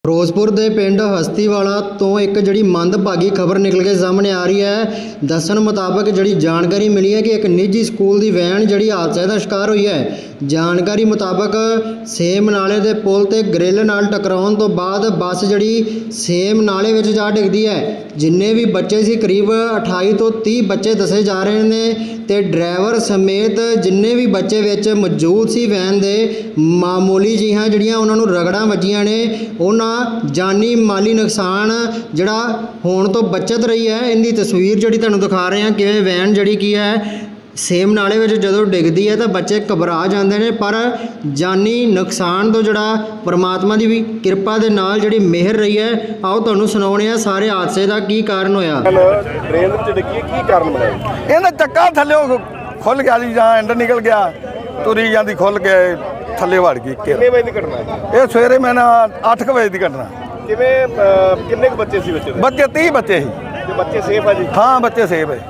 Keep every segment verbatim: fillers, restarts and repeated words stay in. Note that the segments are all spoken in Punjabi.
ਫਿਰੋਜ਼ਪੁਰ ਦੇ ਪਿੰਡ ਹਸਤੀਵਾਲਾ ਤੋਂ ਇੱਕ ਜਿਹੜੀ ਮੰਦਭਾਗੀ ਖਬਰ ਨਿਕਲ ਕੇ ਸਾਹਮਣੇ ਆ ਰਹੀ ਹੈ। ਦੱਸਣ ਮੁਤਾਬਕ ਜਿਹੜੀ ਜਾਣਕਾਰੀ ਮਿਲੀ ਹੈ ਕਿ ਇੱਕ ਨਿੱਜੀ ਸਕੂਲ ਦੀ ਵੈਨ ਜਿਹੜੀ ਹਾਦਸੇ ਦਾ ਸ਼ਿਕਾਰ ਹੋਈ ਹੈ। ਜਾਣਕਾਰੀ ਮੁਤਾਬਕ ਸੇਮ ਨਾਲੇ ਦੇ ਪੁਲ ਤੇ ਗ੍ਰਿਲ ਨਾਲ ਟਕਰਾਉਣ ਤੋਂ ਬਾਅਦ ਬੱਸ ਜਿਹੜੀ ਸੇਮ ਨਾਲੇ ਵਿੱਚ ਜਾ ਡਿੱਗਦੀ ਹੈ। ਜਿੰਨੇ ਵੀ ਬੱਚੇ ਸੀ ਕਰੀਬ ਅਠਾਈ ਤੋਂ ਤੀਹ ਬੱਚੇ ਦੱਸੇ ਜਾ ਰਹੇ ਨੇ ਤੇ ਡਰਾਈਵਰ ਸਮੇਤ ਜਿੰਨੇ ਵੀ ਬੱਚੇ ਵਿੱਚ ਮੌਜੂਦ ਸੀ ਵੈਨ ਦੇ ਮਾਮੂਲੀ ਜਿਹੀਆਂ ਜਿਹੜੀਆਂ ਉਹਨਾਂ ਨੂੰ ਰਗੜਾਂ ਵੱਜੀਆਂ ਨੇ। ਉਹਨਾਂ ਜਾਨੀ ਮਾਲੀ ਨੁਕਸਾਨ ਜਿਹੜਾ ਹੋਣ ਤੋਂ ਬਚਤ ਰਹੀ ਹੈ। ਇਹਦੀ ਤਸਵੀਰ ਜਿਹੜੀ ਤੁਹਾਨੂੰ ਦਿਖਾ ਰਹੇ ਹਾਂ ਕਿਵੇਂ ਵੈਨ ਜਿਹੜੀ ਕੀ ਹੈ ਸੇਮ ਨਾਲੇ ਵਿੱਚ ਜਦੋਂ ਡਿੱਗਦੀ ਹੈ ਤਾਂ ਬੱਚੇ ਘਬਰਾ ਜਾਂਦੇ ਨੇ, ਪਰ ਜਾਨੀ ਨੁਕਸਾਨ ਤੋਂ ਜਿਹੜਾ ਪਰਮਾਤਮਾ ਦੀ ਵੀ ਕਿਰਪਾ ਦੇ ਨਾਲ ਜਿਹੜੀ ਮਿਹਰ ਰਹੀ ਹੈ। ਆਓ ਤੁਹਾਨੂੰ ਸੁਣਾਉਂਦੇ ਹਾਂ ਸਾਰੇ ਹਾਦਸੇ ਦਾ ਕੀ ਕਾਰਨ ਹੋਇਆ। ਟ੍ਰੇਨ ਵਿੱਚ ਡਿੱਗੀ ਕੀ ਕਾਰਨ ਬਣਿਆ? ਇਹਦਾ ਚੱਕਾ ਥੱਲੇ ਖੁੱਲ ਗਿਆ ਜੀ, ਜਾਂ ਐਂਡ ਨਿਕਲ ਗਿਆ, ਤੁਰੀ ਜਾਂਦੀ ਖੁੱਲ ਕੇ ਥੱਲੇ ਵੜ ਗਈ। ਕਿੰਨੇ ਵਜੇ ਦੀ ਘਟਨਾ ਹੈ ਇਹ? ਸਵੇਰੇ ਮੈਂ ਨਾ ਅੱਠ ਕੁ ਵਜੇ ਦੀ ਘਟਨਾ। ਕਿਵੇਂ ਕਿੰਨੇ ਕੁ ਬੱਚੇ ਸੀ ਬੱਚੇ ਦੇ? ਬੱਚੇ ਤੀਹ ਬੱਚੇ ਸੀ। ਤੇ ਬੱਚੇ ਸੇਫ ਆ ਜੀ? ਹਾਂ ਬੱਚੇ ਸੇਫ ਹੈ।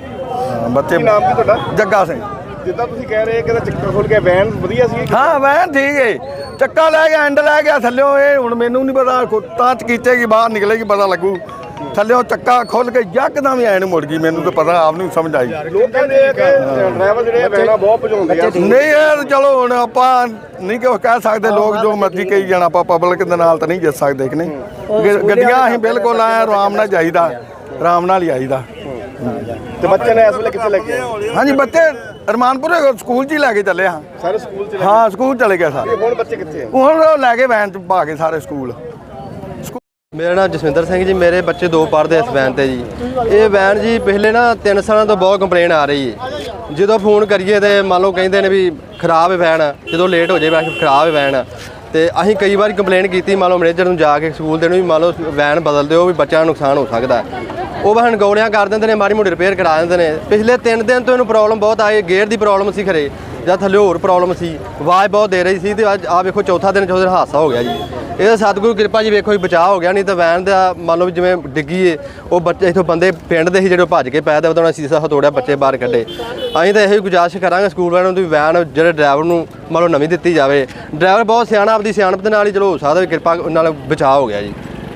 ਬੱਚੇ ਕੀ ਨਾਮ ਕੀ ਤੁਹਾਡਾ? ਜੱਗਾ ਸਿੰਘ। ਜਿੱਦਾਂ ਤੁਸੀਂ ਕਹਿ ਰਹੇ ਕਿ ਇਹਦਾ ਚੱਕਰ ਖੁੱਲ ਗਿਆ, ਵੈਨ ਵਧੀਆ ਸੀ? ਹਾਂ ਵੈਨ ਠੀਕ ਹੈ, ਚੱਕਾ ਲੈ ਗਿਆ, ਐਂਡ ਲੈ ਗਿਆ ਥੱਲਿਓਂ। ਇਹ ਹੁਣ ਮੈਨੂੰ ਨਹੀਂ ਪਤਾ, ਤਾਂ ਚਕੀਚੇਗੀ ਬਾਹਰ ਨਿਕਲੇਗੀ ਪਤਾ ਲੱਗੂ। ਥੱਲਿਓਂ ਚੱਕਾ ਖੁੱਲ ਕੇ ਯਕਦਮ ਹੀ ਐਨ ਮੁੜ ਗਈ। ਮੈਨੂੰ ਤਾਂ ਪਤਾ ਆਪ ਨਹੀਂ ਸਮਝ ਆਈ। ਲੋਕ ਕਹਿੰਦੇ ਆ ਕਿ ਡਰਾਈਵਰ ਜਿਹੜੇ ਵੈਨਾਂ ਬਹੁਤ ਭਜਾਉਂਦੇ ਆ। ਨਹੀਂ ਯਾਰ ਚਲੋ ਹੁਣ ਆਪਾਂ ਨਹੀਂ ਕਿ ਕਹਿ ਸਕਦੇ, ਲੋਕ ਜੋ ਮਰਜ਼ੀ ਕਹੀ ਜਾਣ, ਆਪਾਂ ਪਬਲਿਕ ਦੇ ਨਾਲ ਤਾਂ ਨਹੀਂ ਜਿੱਤ ਸਕਦੇ ਕਿ ਨਹੀਂ। ਗੱਡੀਆਂ ਅਸੀਂ ਬਿਲਕੁਲ ਆਏ ਆਰਾਮ ਨਾਲ ਜਾਈਦਾ, ਆਰਾਮ ਨਾਲ ਹੀ ਆਈਦਾ। ਤੇ ਬੱਚੇ ਨੇ ਇਸ ਵੇਲੇ ਕਿੱਥੇ ਲੱਗੇ? ਹਾਂਜੀ ਬੱਚੇ ਰਮਾਨਪੁਰ ਸਕੂਲ 'ਚ ਹੀ ਲੈ ਕੇ ਚੱਲੇ ਹਾਂ। ਸਾਰੇ ਸਕੂਲ ਚ? ਹਾਂ ਸਕੂਲ ਚਲੇ ਗਏ ਸਾਰੇ। ਹੁਣ ਬੱਚੇ ਕਿੱਥੇ ਆ? ਹੁਣ ਉਹ ਲੈ ਕੇ ਵੈਨ 'ਚ ਪਾ ਕੇ ਸਾਰੇ ਸਕੂਲ। ਮੇਰਾ ਨਾਮ ਜਸਵਿੰਦਰ ਸਿੰਘ ਜੀ। ਮੇਰੇ ਬੱਚੇ ਦੋ ਪੜ੍ਹਦੇ ਇਸ ਵੈਨ ਤੇ ਜੀ। ਇਹ ਵੈਨ ਜੀ ਪਿਛਲੇ ਨਾ ਤਿੰਨ ਸਾਲਾਂ ਤੋਂ ਬਹੁਤ ਕੰਪਲੇਨ ਆ ਰਹੀ ਹੈ। ਜਦੋਂ ਫੋਨ ਕਰੀਏ ਤੇ ਮੰਨ ਲਓ ਕਹਿੰਦੇ ਨੇ ਵੀ ਖਰਾਬ ਹੈ ਵੈਨ, ਜਦੋਂ ਲੇਟ ਹੋ ਜਾਏ ਵੈਸੇ ਖਰਾਬ ਹੈ ਵੈਨ। ਤੇ ਅਸੀਂ ਕਈ ਵਾਰੀ ਕੰਪਲੇਨ ਕੀਤੀ ਮੰਨ ਲਓ ਮੈਨੇਜਰ ਨੂੰ ਜਾ ਕੇ ਸਕੂਲ ਦੇ ਨੂੰ ਵੀ ਮੰਨ ਲਓ ਵੈਨ ਬਦਲ ਦਿਓ ਵੀ ਬੱਚਿਆਂ ਨੂੰ ਨੁਕਸਾਨ ਹੋ ਸਕਦਾ। ਉਹ ਵੈਨ ਗੋਲੀਆਂ ਕਰ ਦਿੰਦੇ ਨੇ, ਮਾੜੀ ਮੋਟੀ ਰਿਪੇਅਰ ਕਰਾ ਦਿੰਦੇ ਨੇ। ਪਿਛਲੇ ਤਿੰਨ ਦਿਨ ਤੋਂ ਇਹਨੂੰ ਪ੍ਰੋਬਲਮ ਬਹੁਤ ਆਈ। ਗੇਅਰ ਦੀ ਪ੍ਰੋਬਲਮ ਸੀ ਖਰੇ ਜਾਂ ਥੱਲੇ ਹੋਰ ਪ੍ਰੋਬਲਮ ਸੀ, ਆਵਾਜ਼ ਬਹੁਤ ਦੇ ਰਹੀ ਸੀ। ਤੇ ਅੱਜ ਆ ਵੇਖੋ ਚੌਥਾ ਦਿਨ ਚੌਥੇ ਦਿਨ ਹਾਦਸਾ ਹੋ ਗਿਆ ਜੀ। ਇਹਦਾ ਸਤਿਗੁਰੂ ਕਿਰਪਾ ਜੀ ਵੇਖੋ ਜੀ ਬਚਾਅ ਹੋ ਗਿਆ, ਨਹੀਂ ਤਾਂ ਵੈਨ ਦਾ ਮੰਨ ਲਓ ਜਿਵੇਂ ਡਿੱਗੀ ਏ ਉਹ ਬੱਚੇ ਇੱਥੋਂ ਬੰਦੇ ਪਿੰਡ ਦੇ ਸੀ ਜਿਹੜੇ ਭੱਜ ਕੇ ਪੈ ਦੇ ਉਹਦਾ ਸੀਸਾ ਹਤੋੜਿਆ, ਬੱਚੇ ਬਾਹਰ ਕੱਢੇ। ਅਸੀਂ ਤਾਂ ਇਹੋ ਹੀ ਗੁਜ਼ਾਰਿਸ਼ ਕਰਾਂਗੇ ਸਕੂਲ ਵਾਲਿਆਂ ਨੂੰ ਵੀ ਵੈਨ ਜਿਹੜੇ ਡਰਾਈਵਰ ਨੂੰ ਮੰਨ ਲਓ ਨਵੀਂ ਦਿੱਤੀ ਜਾਵੇ। ਡਰਾਈਵਰ ਬਹੁਤ ਸਿਆਣਾ, ਆਪਦੀ ਸਿਆਣਪ ਦੇ ਨਾਲ ਹੀ ਚਲੋ ਹੋ ਸਕਦਾ ਵੀ ਕਿਰਪਾ ਨਾਲ ਬਚਾਅ ਹੋ ਗਿਆ ਜੀ।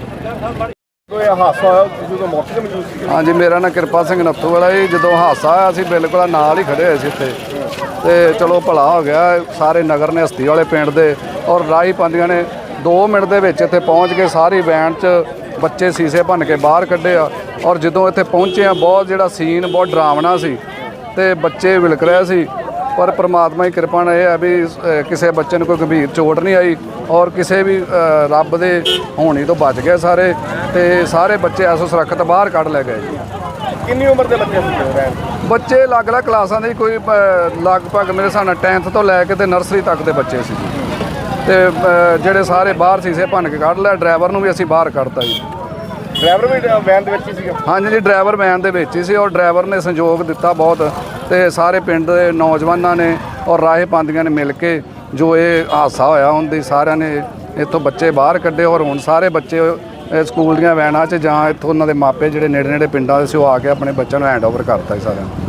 ਕੋਈ ਹਾਦਸਾ ਹੋਇਆ ਤੁਸੀਂ ਤਾਂ ਮੌਕੇ ਤੇ ਮੌਜੂਦ ਸੀ? ਹਾਂਜੀ ਮੇਰਾ ਨਾਂ ਕਿਰਪਾ ਸਿੰਘ ਨੱਥੂ ਵਾਲਾ ਜੀ। ਜਦੋਂ ਹਾਦਸਾ ਆਇਆ ਅਸੀਂ ਬਿਲਕੁਲ ਨਾਲ ਹੀ ਖੜੇ ਹੋਏ ਸੀ ਇੱਥੇ, ਤੇ ਚਲੋ ਭਲਾ ਹੋ ਗਿਆ। ਸਾਰੇ ਨਗਰ ਨੇ ਹਸਤੀ ਵਾਲੇ ਪਿੰਡ ਦੇ ਔਰ ਰਾਹੀ ਪਾਉਂਦੀਆਂ ਨੇ ਦੋ ਮਿੰਟ ਦੇ ਵਿੱਚ ਇੱਥੇ ਪਹੁੰਚ ਕੇ ਸਾਰੀ ਵੈਨ 'ਚ ਬੱਚੇ ਸੀਸੇ ਭੰਨ ਕੇ ਬਾਹਰ ਕੱਢੇ ਆ। ਔਰ ਜਦੋਂ ਇੱਥੇ ਪਹੁੰਚੇ ਆ ਬਹੁਤ ਜਿਹੜਾ ਸੀਨ ਬਹੁਤ ਡਰਾਵਣਾ ਸੀ ਤੇ ਬੱਚੇ ਵਿਲਕ ਰਹੇ ਸੀ, ਪਰ ਪ੍ਰਮਾਤਮਾ ਦੀ ਕਿਰਪਾ ਨਾਲ ਇਹ ਹੈ ਵੀ ਕਿਸੇ ਬੱਚੇ ਨੂੰ ਕੋਈ ਗੰਭੀਰ ਚੋਟ ਨਹੀਂ ਆਈ ਔਰ ਕਿਸੇ ਵੀ ਰੱਬ ਦੇ ਹੋਣੀ ਤੋਂ ਬਚ ਗਏ ਸਾਰੇ। ਤੇ ਸਾਰੇ ਬੱਚੇ ਐਸੋ ਸੁਰੱਖਿਅਤ ਬਾਹਰ ਕੱਢ ਲੈ ਗਏ ਜੀ। ਕਿੰਨੀ ਉਮਰ ਦੇ ਬੱਚੇ ਸੀ? ਬੱਚੇ ਅਲੱਗ-ਅਲੱਗ ਕਲਾਸਾਂ ਦੇ, ਕੋਈ ਲਗਭਗ ਮੇਰੇ ਹਿਸਾਬ ਨਾਲ ਟੈਂਥ ਤੋਂ ਲੈ ਕੇ ਤੇ ਨਰਸਰੀ ਤੱਕ ਦੇ ਬੱਚੇ ਸੀ ਜੀ। ਤੇ ਜਿਹੜੇ ਸਾਰੇ ਬਾਹਰ ਸੀਸੇ ਭੰਨ ਕੇ ਕੱਢ ਲਿਆ। ਡਰਾਈਵਰ ਨੂੰ ਵੀ ਅਸੀਂ ਬਾਹਰ ਕੱਢਤਾ ਜੀ। ਡਰਾਈਵਰ ਵੀ ਵੈਨ ਦੇ ਵਿੱਚ ਹੀ ਸੀਗਾ? ਹਾਂਜੀ ਜੀ ਡਰਾਈਵਰ ਵੈਨ ਦੇ ਵਿੱਚ ਹੀ ਸੀ ਔਰ ਡਰਾਈਵਰ ਨੇ ਸੰਯੋਗ ਦਿੱਤਾ ਬਹੁਤ। ਤੇ ਸਾਰੇ ਪਿੰਡ ਦੇ ਨੌਜਵਾਨਾਂ ਨੇ ਔਰ ਰਾਹੇ ਪਾਉਂਦੀਆਂ ਨੇ ਮਿਲ ਕੇ ਜੋ ਇਹ ਹਾਦਸਾ ਹੋਇਆ ਉਹਦੀ ਸਾਰਿਆਂ ਨੇ ਇੱਥੋਂ ਬੱਚੇ ਬਾਹਰ ਕੱਢੇ। ਔਰ ਹੁਣ ਸਾਰੇ ਬੱਚੇ ਸਕੂਲ ਦੀਆਂ ਵੈਨਾਂ 'ਚ ਜਾਂ ਇੱਥੋਂ ਉਹਨਾਂ ਦੇ ਮਾਪੇ ਜਿਹੜੇ ਨੇੜੇ ਨੇੜੇ ਪਿੰਡਾਂ ਦੇ ਸੀ ਉਹ ਆ ਕੇ ਆਪਣੇ ਬੱਚਿਆਂ ਨੂੰ ਹੈਂਡ ਓਵਰ ਕਰਤਾ ਜੀ ਸਾਰਿਆਂ ਨੂੰ।